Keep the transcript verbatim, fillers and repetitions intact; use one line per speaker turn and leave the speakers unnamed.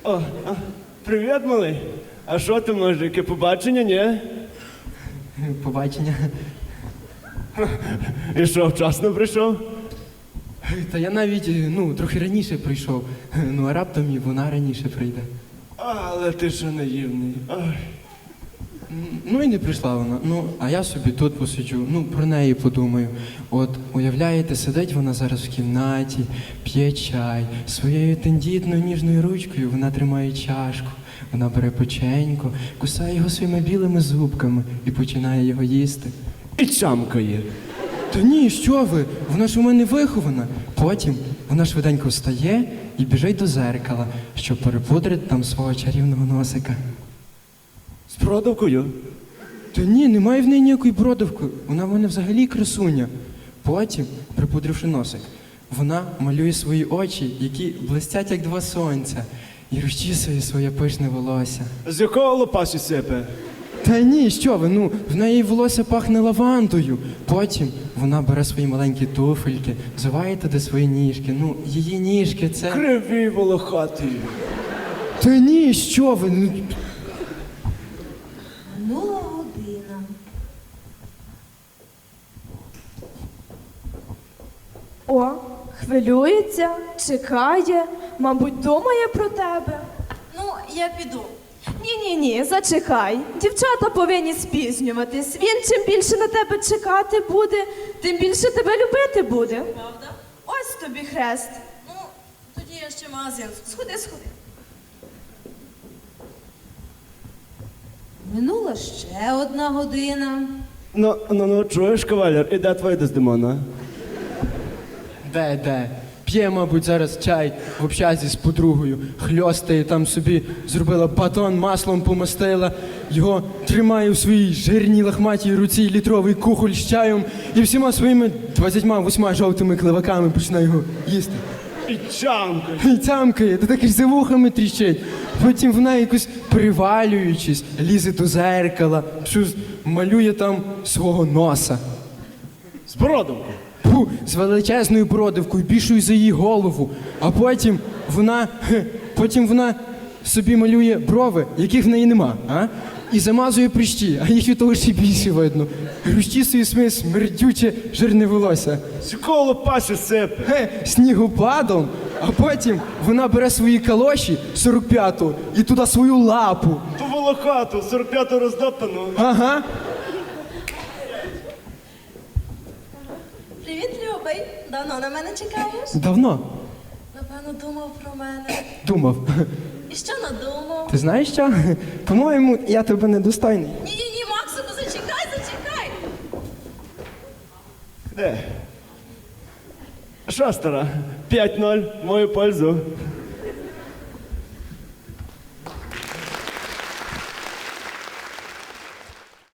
О, а, привіт, малий. А що ти, може, яке побачення, ні?
Побачення.
І що, вчасно прийшов?
Та я навіть, ну, трохи раніше прийшов. Ну, а раптом і вона раніше прийде.
Але ти що наївний. Ой.
Ну і не прийшла вона. Ну, а я собі тут посиджу, ну, про неї подумаю. От, уявляєте, сидить вона зараз в кімнаті, п'є чай, своєю тендітною ніжною ручкою вона тримає чашку, вона бере печенько, кусає його своїми білими зубками і починає його їсти.
І чамкає.
Та ні, що ви? Вона ж у мене вихована. Потім вона швиденько встає і біжить до зеркала, щоб перепудрити там свого чарівного носика.
З продавкою?
Та ні, немає в неї ніякої бродавки. Вона в мене взагалі красуня. Потім, припудривши носик, вона малює свої очі, які блистять, як два сонця, і розчісує своє пишне волосся.
З якого лопасі сипе?
Та ні, що ви, ну, в неї волосся пахне лавандою. Потім вона бере свої маленькі туфельки, взуває туди свої ніжки. Ну, її ніжки це...
Криві волохаті.
Та ні, що ви, ну...
Минула година.
О, хвилюється, чекає, мабуть, думає про тебе.
Ну, я піду.
Ні-ні-ні, зачекай. Дівчата повинні спізнюватись. Він чим більше на тебе чекати буде, тим більше тебе любити буде.
Правда?
Ось тобі хрест.
Ну, тоді я ще в магазин сходи.
Сходи, сходи.
Минула ще одна година.
Ну, ну, ну, чуєш, кавалер, і де твоя Дездемона?
Де, де? П'є, мабуть, зараз чай в общазі з подругою, хльостає там собі, зробила батон, маслом помастила, його тримає в своїй жирній лахматій руці літровий кухоль з чаєм і всіма своїми двадцятьма восьма жовтими кливаками починає його їсти.
І чамкає.
І цямкає, та так і за вухами тріщить. Потім вона якось привалюючись, лізе до зеркала, щось малює там свого носа.
З бородавкою.
Фу, з величезною бродивкою, більшою за її голову. А потім вона, хе, потім вона собі малює брови, яких в неї нема, а? І замазує прищі, а їх від того ще більше видно. Розчісує своє смердюче жирне волосся.
З якого лопасі сипе?
Хе, снігопадом, а потім вона бере свої калоші сорок п'ятого і туди свою лапу.
Ту волохату, сорок п'яту роздоптану.
Ага.
Привіт, любий. Давно на мене чекаєш?
Давно
Напевно, думав про мене.
думав.
І що надумав?
Ти знаєш що? По-моєму, я тебе недостойний.
Ні-ні-ні, Максику, зачекай, зачекай.
Де? Що, стара? п'ять ноль в мою пользу.